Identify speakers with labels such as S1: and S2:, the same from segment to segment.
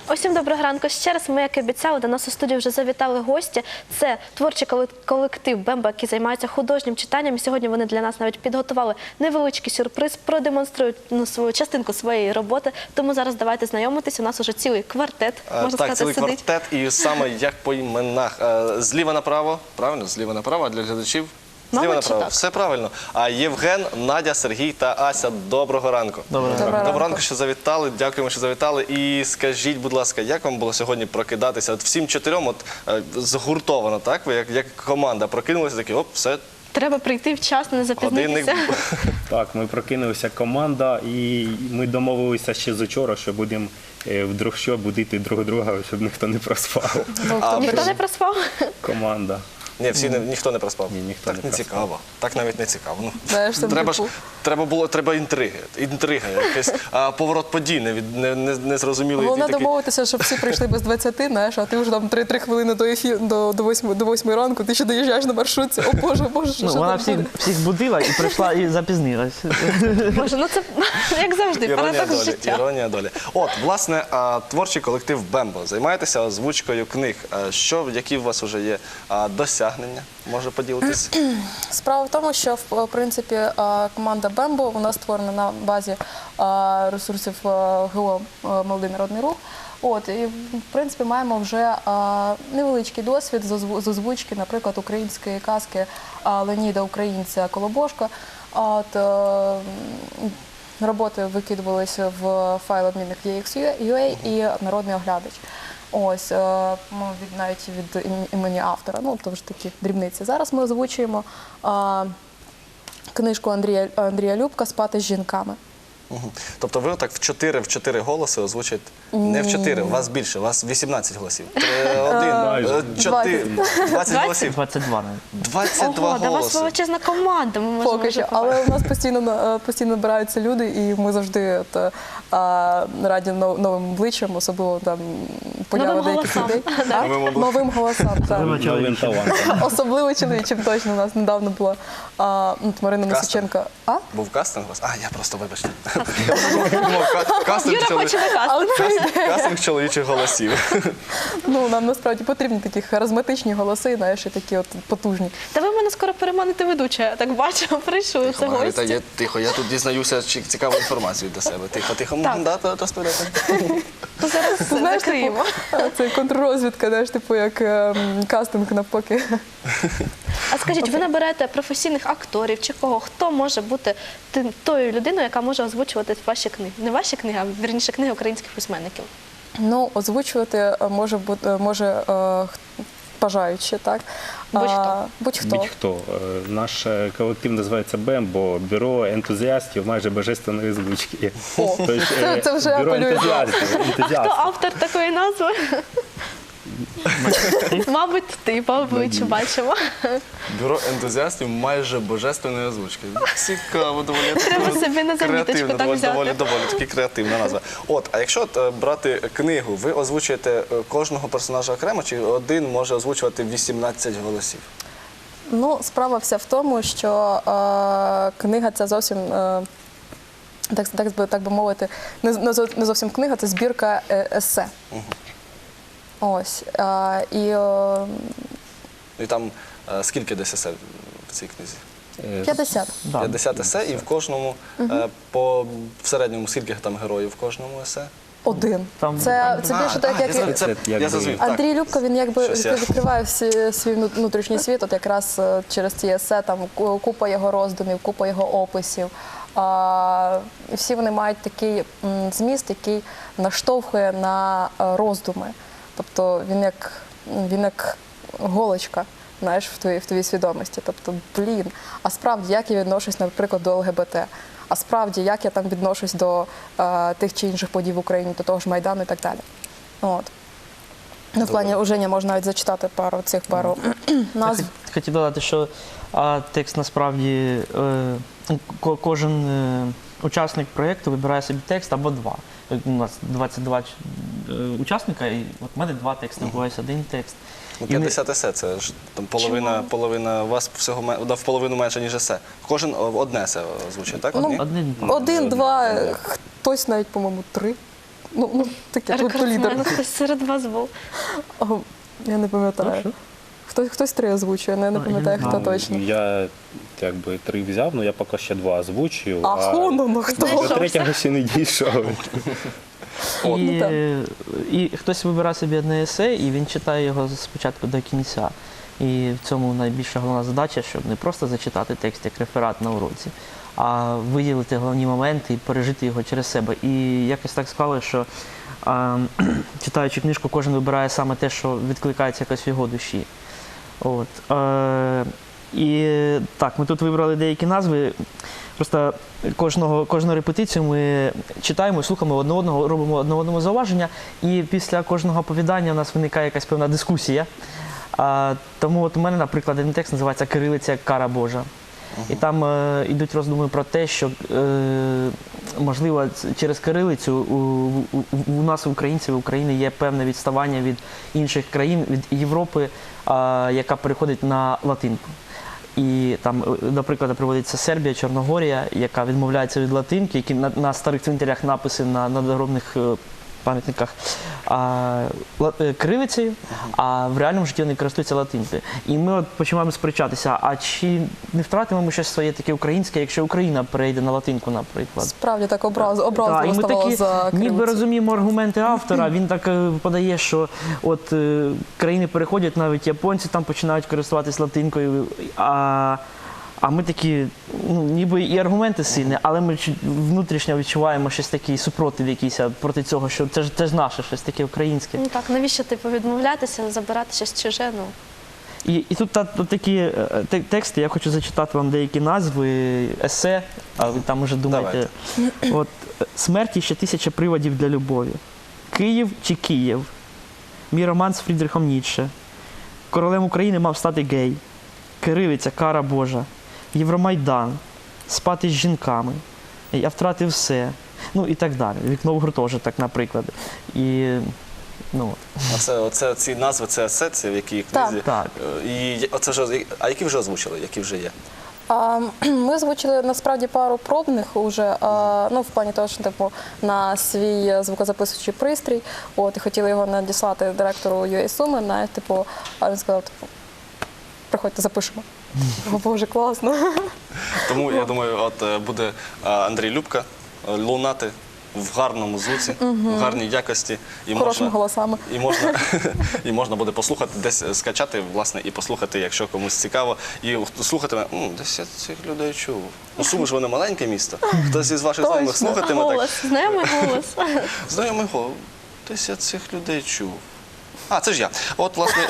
S1: Усім доброго ранку ще раз. Ми, як і обіцяли, до нас у студії вже завітали гості. Це творчий колектив «Бембо», який займається художнім читанням. І сьогодні вони для нас навіть підготували невеличкий сюрприз, продемонструють свою частинку своєї роботи. Тому зараз давайте знайомитись. У нас уже цілий квартет, можна сказати,
S2: цілий
S1: сидить.
S2: квартет, і саме як по іменах. Зліва направо, правильно? Зліва направо, а для глядачів? Зліва
S1: Мабуть,
S2: направо.
S1: так.
S2: Все правильно. А Євген, Надя, Сергій та Ася, доброго ранку. Доброго ранку, що завітали. Дякуємо, що завітали. І скажіть, будь ласка, як вам було сьогодні прокидатися? От всім чотирьом, згуртовано, так? Ви як команда прокинулися, такі, оп, все,
S1: Треба прийти вчасно, не
S2: годинник.
S1: запізнитися.
S3: Так, ми прокинулися команда, і ми домовилися ще з учора, що будемо вдруг що будити друг друга, щоб ніхто не проспав.
S1: Ніхто не проспав?
S3: Команда.
S2: Ні, ніхто не проспав.
S3: Ні, ніхто
S2: так
S3: не
S2: не
S3: проспав.
S2: цікаво. Так навіть не цікаво. Ну,
S4: Знаєш, там
S2: треба інтриги. Інтрига, якийсь поворот подій, незрозумілий.
S4: головне домовитися, щоб всі прийшли без 20, знаєш, а ти вже там 3 хвилини до 8 ранку, ти ще доїжджаєш на маршрутці. О Боже, що
S5: Вона
S4: там буде?
S5: всіх будила і прийшла і запізнилась.
S1: Боже, ну це як завжди, парадокс життя.
S2: Іронія долі. От, власне, творчий колектив «Бембо». Займаєтеся озвучкою книг. Які у вас вже є досягнення? Може поділитись?
S4: Справа в тому, що, в принципі, команда «Бембо» у нас створена на базі ресурсів ГО «Молодий народний рух». От, і, в принципі, маємо вже невеличкий досвід з озвучки, наприклад, української казки Леоніда Українця «Колобошко». От, роботи викидувалися в файл обмінник EXUA і народний оглядач. Ось, навіть від імені автора, ну, то ж такі дрібниці. Зараз ми озвучуємо книжку Андрія Любка «Спати з жінками».
S2: Тобто ви отак в 4 голоси озвучуєте? Не в 4, у вас більше, у вас 18 голосів. 20 голосів.
S5: 22 навіть.
S2: 22
S1: Ого, та у вас
S2: голоси.
S1: величезна команда, ми можемо
S4: Поки
S1: вже
S4: що,
S1: побачити.
S4: але у нас постійно набираються люди, і ми завжди раді новим обличчям, особливо там поява
S1: Новим
S4: деяких
S1: голосам.
S4: людей.
S1: Да.
S4: Новим голосам, так.
S3: Новим талантом.
S4: Особливо чоловічим точно. У нас недавно була Марина Мисиченко.
S2: Був кастинг у вас? Я просто, вибачте. Кастинг
S1: Юра хоче на кастинг.
S2: кастинг чоловічих голосів.
S4: Ну, нам насправді потрібні такі харизматичні голоси, знаєш, і такі от потужні.
S1: Та ви мене скоро переманите ведуча, я так бачу, прийшли це
S2: Маргарита,
S1: гості.
S2: тихо, я тут дізнаюся цікаву інформацію для себе. Тихо, можна розповідати?
S1: То зараз
S4: Знаєш,
S1: закриємо.
S4: Це контррозвідка, знаєш, типу як кастинг навпаки.
S1: А скажіть, ви наберете професійних акторів чи кого? Хто може бути тою людиною, яка може озвучувати ваші книги? Не ваші книги, а вірніше книги українських письменників.
S4: Ну, озвучувати може бажаючи, так?
S1: Будь-хто.
S4: Будь-хто.
S3: Будь-хто. Наш колектив називається «Бембо», бюро ентузіастів майже божественної озвучки.
S4: О,
S3: Тобто,
S4: це вже
S3: бюро
S4: апелює.
S1: Хто автор такої назви? Мабуть, ти по обличчю бачимо.
S2: Бюро ентузіастів майже божественної озвучки. Цікаво, доволі.
S1: Треба собі на заміточку так взяти.
S2: Доволі таки креативна назва. От, а якщо брати книгу, ви озвучуєте кожного персонажа окремо, чи один може озвучувати 18 голосів?
S4: Ну, справа вся в тому, що книга це зовсім, так би мовити, не зовсім книга, це збірка есе. Ось.
S2: І там скільки десь есе в цій книзі?
S4: 50.
S2: 50 есе, і в кожному, в середньому, скільки там героїв в кожному есе?
S4: Один.
S5: Там-
S4: Це більше так, як
S3: Це
S2: Я зрозумів. так.
S4: Андрій Любко, він якби
S2: Щось я-
S4: відкриває свій внутрішній світ, от якраз через ці есе, там купа його роздумів, купа його описів. І всі вони мають такий зміст, який наштовхує на роздуми. Тобто він як голочка, знаєш, в твоїй свідомості. Тобто, а справді, як я відношусь, наприклад, до ЛГБТ? А справді, як я там відношусь до тих чи інших подій в Україні, до того ж Майдану і так далі. От. Ну, в плані Уженя можна навіть зачитати пару назв.
S5: Хотів додати, що текст насправді кожен учасник проєкту вибирає собі текст або два. У нас 22 учасника, і от в мене 2 тексти, буває один текст.
S2: Ну, 50 есе, це ж там половина, у вас всього в половину менше, ніж есе. Кожен одне есе озвучує, так? Одні?
S5: Один.
S4: 1, 2, хтось навіть, по-моєму, 3. Ну, таке, тут лідер.
S1: Рекордсмен хтось серед вас був.
S4: Я не пам'ятаю. Хтось 3 озвучує, але я не пам'ятаю, хто
S3: Ну,
S4: точно.
S3: Я якби 3 взяв, але я поки ще 2 озвучую.
S4: Ну хто?
S3: До 3-го ще не дійшов.
S5: І хтось вибирає собі одне есе, і він читає його спочатку до кінця. І в цьому найбільша головна задача, щоб не просто зачитати текст як реферат на уроці, а виділити головні моменти і пережити його через себе. І якось так склалося, що читаючи книжку, кожен вибирає саме те, що відкликається якось в його душі. От. І так, ми тут вибрали деякі назви. Просто кожну репетицію ми читаємо, слухаємо одне одного, робимо одне одному зауваження, і після кожного оповідання у нас виникає якась певна дискусія. Тому от у мене, наприклад, один текст називається «Кирилиця як кара Божа». І там йдуть роздуми про те, що, можливо, через кирилицю у нас, українців, в Україні, є певне відставання від інших країн, від Європи, яка переходить на латинку. І там, до прикладу, приводиться Сербія, Чорногорія, яка відмовляється від латинки, які на старих цвинтарях написи на надгробних пам'ятниках кирилицею, а в реальному житті вони користуються латинкою. І ми от починаємо сперечатися, а чи не втратимо ми щось своє таке українське, якщо Україна перейде на латинку, наприклад?
S4: Справді так
S5: Так,
S4: образливо
S5: і ми
S4: ставало
S5: такі,
S4: за
S5: ніби
S4: кирилицю.
S5: розуміємо аргументи автора, він так подає, що от країни переходять, навіть японці там починають користуватись латинкою, а ми такі, ну, ніби і аргументи сильні, але ми внутрішньо відчуваємо щось такий супротив якийсь проти цього, що це ж наше, щось таке українське.
S1: Ну так, навіщо типу відмовлятися, забирати щось чуже? Ну.
S5: І тут такі тексти, я хочу зачитати вам деякі назви, есе, а ви там уже думаєте. От, «Смерті ще 1000 приводів для любові», «Київ чи Київ», «Мій роман з Фрідрихом Ніцше», «Королем України мав стати гей», «Кирилиця, кара Божа», «Євромайдан», «Спати з жінками», «Я втратив все», ну і так далі. «Вікно в гуртожиток», наприклад. І, ну,
S2: Оце ці назви, це есе, це в якій книзі.
S5: Так.
S2: І оце вже, а які вже озвучили, які вже є?
S4: Ми озвучили насправді пару пробних уже, ну в плані того, що типу на свій звукозаписуючий пристрій, от і хотіли його надіслати директору UA Суми, навіть типу, а він сказав, типу, приходьте, запишемо. О, Боже, класно.
S2: Тому я думаю, от буде Андрій Любка лунати в гарному звуці, в гарній якості. І
S4: Хорошими голосами.
S2: І можна буде послухати, десь скачати, власне, і послухати, якщо комусь цікаво. І слухатиме, десь я цих людей чув. Ну, Суми ж вони маленьке місто. Хтось із ваших знайомих слухатиме так.
S1: Голос, знайомий голос.
S2: Знайомий голос. Десь я цих людей чув. А, це ж я. От, власне,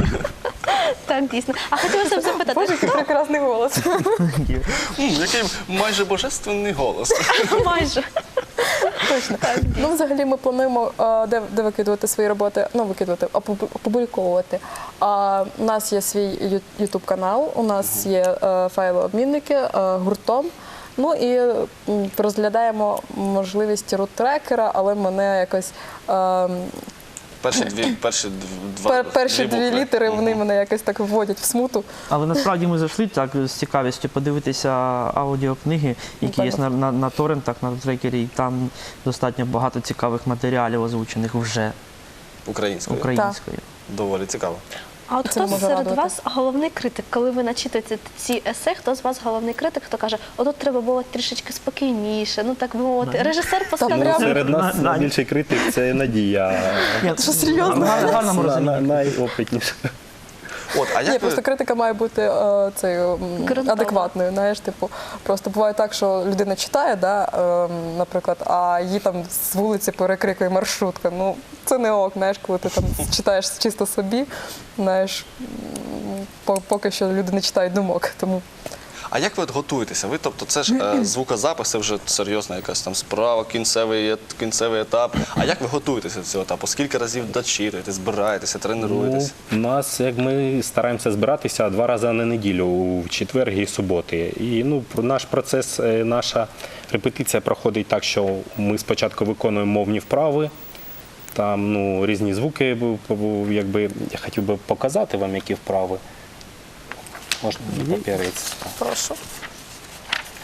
S1: Так, дійсно. А хотілося б запитати,
S4: Боже, який прекрасний голос.
S2: який майже божественний голос.
S1: майже.
S4: Точно. Ну, взагалі ми плануємо, де викидувати свої роботи, ну, викидувати, опубліковувати. У нас є свій YouTube-канал, у нас є файлообмінники гуртом. Ну і розглядаємо можливість рут-трекера, але мене якось... Перші дві літери, вони мене якось так вводять в смуту.
S5: але насправді ми зайшли так з цікавістю подивитися аудіокниги, які є на торрентах, на трекері, і там достатньо багато цікавих матеріалів озвучених вже українською.
S2: Доволі цікаво.
S1: А от
S4: Це
S1: хто
S4: не може
S1: серед
S4: радувати.
S1: вас головний критик? Коли ви начитуєте ці есе, хто з вас головний критик, хто каже, отут треба було трішечки спокійніше, ну так би мовити, режисер поставив.
S4: прям-
S3: Серед нас найбільший критик – це Надія.
S4: Що серйозно?
S5: В гарному розумінні.
S3: Найопитніша.
S2: От, а
S4: Ні,
S2: як
S4: просто критика має бути
S1: Ґрунтовна.
S4: адекватною. Знаєш, типу, просто буває так, що людина читає, наприклад, а її там з вулиці перекрикує маршрутка. Ну, це не ок, знаєш, коли ти там читаєш чисто собі, знаєш, поки що люди не читають думок. Тому
S2: А як ви от готуєтеся? Ви, тобто, це ж звукозапис, це вже серйозна якась там справа, кінцевий етап. А як ви готуєтеся до цього етапу? Скільки разів дочитуєте, збираєтеся, тренуєтесь?
S3: У нас, як ми стараємося збиратися 2 рази на неділю, у четвер і суботи. І наш процес, наша репетиція проходить так, що ми спочатку виконуємо мовні вправи, там різні звуки, якби я хотів би показати вам, які вправи. Можна папірець.
S4: прошу.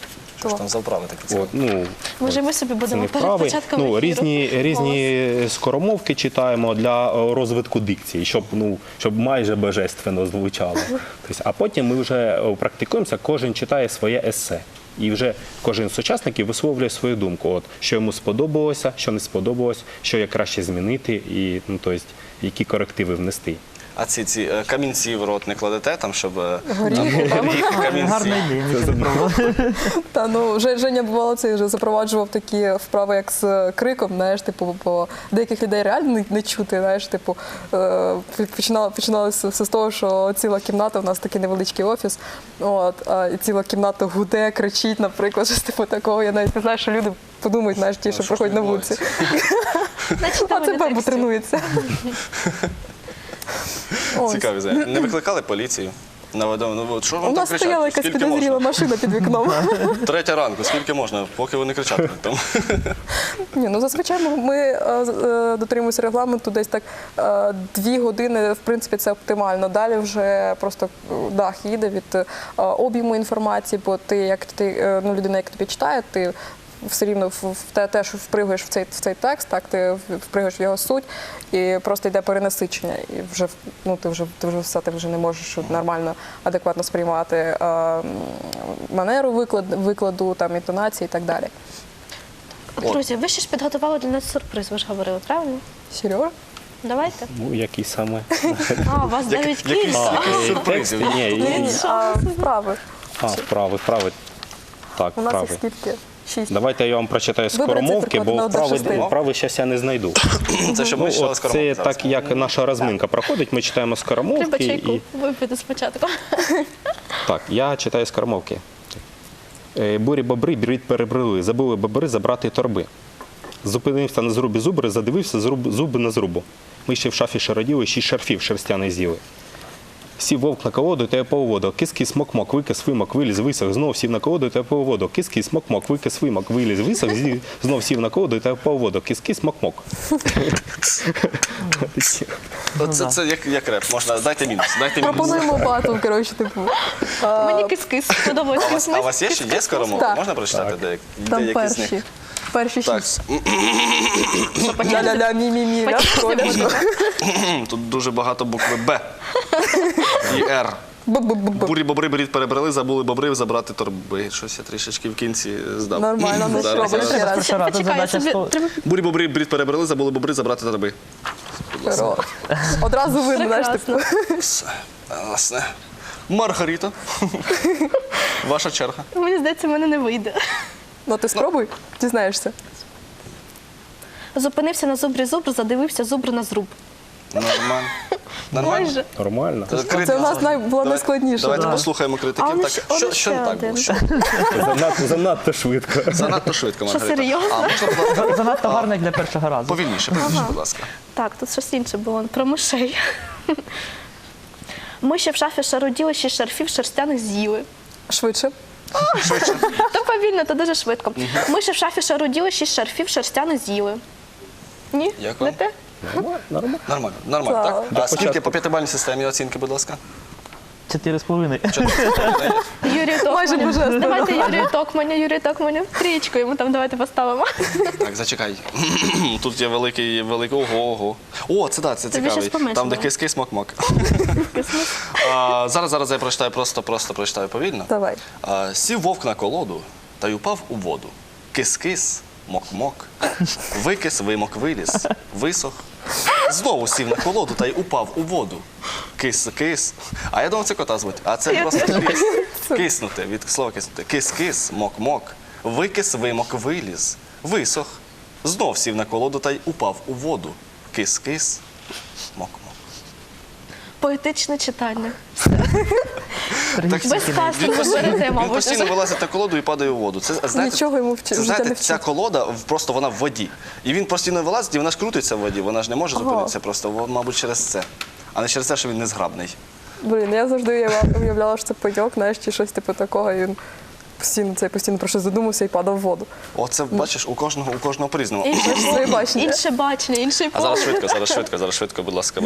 S2: Що ж там за вправи такі цікаві?
S3: От, ну,
S1: Може, ми собі
S3: це
S1: будемо
S3: не
S1: перед
S3: вправи.
S1: початком
S3: Ну,
S1: ефіру
S3: різні скоромовки читаємо для розвитку дикції, щоб майже божественно звучало. Тобто, а потім ми вже практикуємося, кожен читає своє есе. І вже кожен з учасників висловлює свою думку, от, що йому сподобалося, що не сподобалось, що як краще змінити, і, ну, тобто, які корективи внести.
S2: А ці камінці в рот не кладете там, щоб
S4: Горіхи там.
S2: камінці.
S5: Гарна ідея, ми це пробували.
S4: Та ну Женя бувало це вже запроваджував такі вправи, як з криком. Знаєш, типу, бо деяких людей реально не чути. Знаєш, типу, починалося все з того, що ціла кімната, у нас такий невеличкий офіс. От, і ціла кімната гуде, кричить, наприклад, щось типу такого. Я навіть не знаю, що люди подумають, знаєш, ті, що
S2: що
S4: проходять на
S2: відбувається?
S4: вулиці.
S1: На
S4: А це
S1: читання
S4: бебу
S1: текстів.
S4: тренується. Ось.
S2: Цікаві знання. Не викликали поліцію? Що
S4: У
S2: вам там
S4: нас стояла
S2: кричати?
S4: якась
S2: Скільки
S4: підозріла
S2: можна?
S4: машина під вікном.
S2: 3 ранку, скільки можна, поки вони кричатимуть там?
S4: Ні, ну зазвичай ми дотримуємося регламенту десь так 2 години, в принципі, це оптимально. Далі вже просто дах їде від об'єму інформації, бо ти, людина, як тобі читає, ти все рівно теж впригуєш в цей текст, так, ти впригуєш в його суть, і просто йде перенасичення. І вже, ну, ти вже не можеш нормально, адекватно сприймати манеру викладу, там, інтонації і так далі.
S1: Друзі, ви ще ж підготували для нас сюрприз, ви ж говорили, правильно?
S4: Серйозно?
S1: Давайте.
S3: Ну, який саме?
S1: А, у вас навіть кілька.
S2: Якісь сюрпризів.
S3: Ні,
S4: Вправи.
S3: вправи. Так,
S4: У нас
S3: вправи.
S4: їх скільки? 6.
S3: Давайте я вам прочитаю
S4: Виберіть
S3: скоромовки,
S4: циферку
S3: бо
S4: на 1-6.
S3: вправи зараз я не знайду.
S2: Це щоб ми читали
S3: От
S2: скоромовки
S3: це
S2: зараз.
S3: так, як наша розминка проходить, ми читаємо
S1: Треба
S3: скоромовки.
S1: чайку
S3: І...
S1: випити спочатку.
S3: Так, я читаю скоромовки. Бурі-бобри брід перебрели, забули бобри забрати торби. Зупинився на зрубі зубри, задивився зуби на зрубу. Миші в шафі шароділи, 6 шарфів шерстяних з'їли. Сів вовк на колоду та по воду. Кис-кис, мок-мок, викис, вимок, виліз, висох, знов сів на колоду та по воду. Кис-кис, мок-мок, викис, вимок, виліз, висох, знов сів на колоду та по воду. Кис-кис, мок-мок.
S2: Це як реп, можна, дайте мінус, дайте мінус.
S4: Пропонуємо батл, коротше, типу.
S1: Мені кис-кис сподобалось.
S2: А у вас є ще є скоромовки?
S4: Так.
S2: Можна прочитати
S4: Там
S2: деякі з них?
S4: перші
S2: Так,
S4: 6. Ля-ля-ля, мі-мі-мі.
S2: тут дуже багато букви Б і Р. Бурі бобри беріть перебрали, забули бобри забрати торби. Щось я трішечки в кінці здав.
S4: Нормально, ну
S2: Зараз,
S4: спробуй
S2: зараз.
S4: ще раз.
S5: Почекай, тут
S1: Почекай,
S5: задача
S1: собі
S5: 100.
S1: треба
S2: Бурі бобри беріть перебрали, забули бобри забрати торби.
S4: Хорош. Одразу видно, знаєш, типу.
S1: прекрасно.
S2: Все, власне. Маргарита, ваша черга.
S1: Мені здається, в мене не вийде.
S4: Ну ти спробуй, дізнаєшся.
S1: Зупинився на зубрі зубр, задивився зубр на зруб.
S2: Нормально. Нормально?
S1: Майже.
S3: Нормально.
S4: Це у нас була найскладніша.
S2: Давайте
S4: да.
S2: послухаємо
S1: А
S2: критиків.
S1: вони
S2: Так,
S1: ж
S2: що не так
S1: один.
S2: було? Що?
S3: Занадто швидко.
S2: Занадто швидко,
S1: Що,
S2: Маргарита.
S1: серйозно?
S2: А можна, будь ласка,
S5: Занадто гарно як для першого разу.
S2: повільніше, будь ласка.
S1: Так, тут щось інше було про мишей. Миші в шафі шаруділи, 6 шарфів шерстяних з'їли.
S4: Швидше.
S1: То повільно, то дуже швидко. Миші в шафі шаруділи, 6 шарфів шерстяних з'їли. Ні?
S2: Як
S1: Не
S2: вам?
S1: те?
S2: Нормально, нормально,
S4: Так.
S2: так? А скільки по 5-бальній системі оцінки, будь ласка?
S5: 4,5.
S1: Юрію
S4: Майже
S1: Токманю.
S4: божественно.
S1: Давайте Юрію Токманю. Трієчку йому там давайте поставимо.
S2: Так, зачекай. Тут є великий, ого. О, це да, це
S1: Тобі
S2: цікавий.
S1: щось поменшало.
S2: Там, де кис-кис, мок-мок. Зараз я прочитаю, просто прочитаю повільно.
S4: Давай.
S2: Сів вовк на колоду та й упав у воду. Кис-кис, мок-мок, викис, вимок, виліз, висох. Знову сів на колоду та й упав у воду. Кис-кис. А я думав, це кота звуть. А це просто кис. Киснути, від слова киснути. Кис-кис, мок-мок, викис, вимок, виліз, висох. Знов сів на колоду та й упав у воду. Кис-кис, мок-мок.
S1: Поетичне читання.
S2: Так,
S1: Без кастингу берете,
S2: Він
S1: мабуть.
S2: постійно вилазить на колоду і падає у воду. Це, знаєте,
S4: Нічого йому в
S2: це,
S4: життя
S2: знаєте,
S4: не
S2: ця
S4: вчить.
S2: колода, просто вона в воді. І він постійно вилазить, і вона ж крутиться в воді, вона ж не може зупинитися просто, мабуть, через це. А не через те, що він незграбний.
S4: Блін, я завжди уявляла, що це пайок, знаєш, чи щось типу такого, і він постійно про щось задумався і падав в воду.
S2: Оце, бачиш, у кожного по-різному.
S4: Своє бачення.
S1: Інше бачення, інший
S2: А зараз
S1: погляд.
S2: швидко, будь ласка.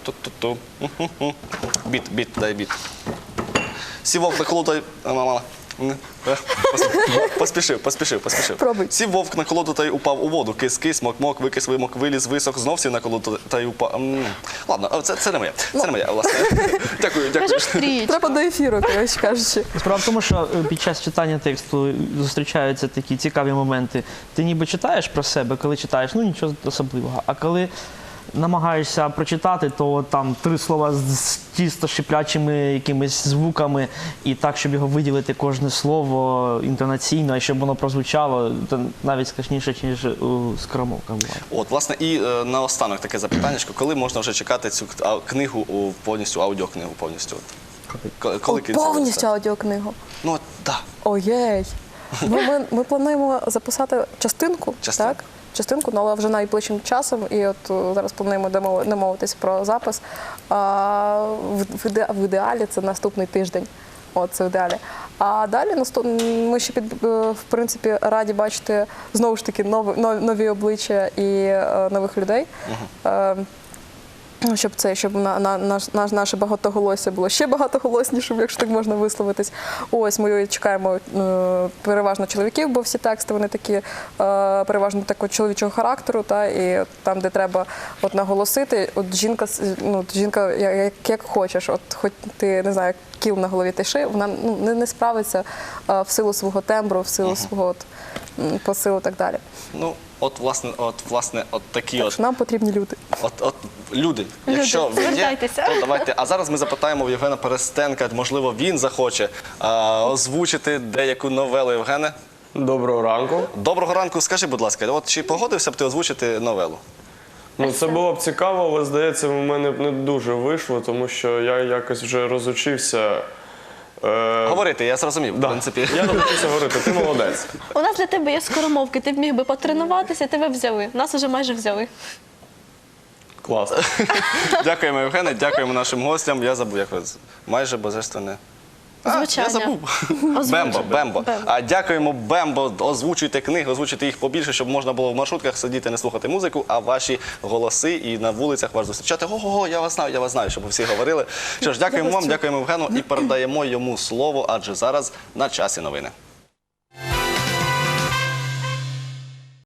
S2: От-ту-ту-ру-ту-ту-ту. Біт, дай біт. Сів вовк на колоду, Поспішив.
S4: Пробуй.
S2: Сів вовк на колоду та й упав у воду. Кис-кис, мок-мок, викис, вимок, виліз, висох, знов сів на колоду та й упав. Ладно, це не моє. Це не моє, власне. Дякую.
S1: Кажеш тріч.
S4: Треба до ефіру, коротше кажучи.
S5: Справа в тому, що під час читання тексту зустрічаються такі цікаві моменти. Ти ніби читаєш про себе, коли читаєш, ну нічого особливого. А коли намагаєшся прочитати, то там 3 слова з тісто шиплячими якимись звуками, і так, щоб його виділити кожне слово інтонаційно, і щоб воно прозвучало, то навіть складніше, ніж у скоромовках буває.
S2: От, власне, і наостанок таке запитання, коли можна вже чекати цю книгу повністю, аудіокнигу повністю? Коли
S4: Повністю аудіокнигу.
S2: Ну, так.
S4: Оєй. Ми плануємо записати частинку,
S2: Частинку.
S4: так? Частинку, ну, але вже найближчим часом. І от зараз плануємо домовитися про запис. В ідеалі це наступний тиждень. От, це в ідеалі. А далі ми ще в принципі раді бачити знову ж таки нові обличчя і нових людей. Щоб наше багатоголосся було ще багатоголоснішим, якщо так можна висловитись. Ось ми чекаємо переважно чоловіків, бо всі тексти вони такі переважно такого чоловічого характеру, і там, де треба наголосити, от жінка як хочеш, от хоч ти не знаю, кіл на голові тиши, вона не справиться в силу свого тембру, в силу свого посилу і так далі.
S2: Ну, власне, такі
S4: Так що нам потрібні люди.
S2: Люди, якщо ви є,
S1: звертайтеся.
S2: то давайте. А зараз ми запитаємо в Євгена Перестенка, можливо, він захоче озвучити деяку новелу. Євгене?
S6: Доброго ранку.
S2: Доброго ранку. Скажи, будь ласка, от чи погодився б ти озвучити новелу?
S6: Ну, це було б цікаво, але, здається, в мене б не дуже вийшло, тому що я якось вже розучився.
S2: Говорити, я зрозумів, в принципі.
S6: Я навчився говорити, ти молодець.
S1: У нас для тебе є скоромовки, ти б міг би потренуватися, тебе взяли. Нас уже майже взяли.
S6: Клас.
S2: Дякуємо, Євгене, дякуємо нашим гостям. Я забув, як майже божественне.
S1: Звучання.
S2: Я забув.
S1: Озвучення.
S2: Бембо. Дякуємо, Бембо. Озвучуйте книги, озвучуйте їх побільше, щоб можна було в маршрутках сидіти, не слухати музику, а ваші голоси і на вулицях вас зустрічати. Ого, я вас знаю, щоб ви всі говорили. Що ж, дякуємо вам, дякуємо Євгену і передаємо йому слово, адже зараз на часі новини.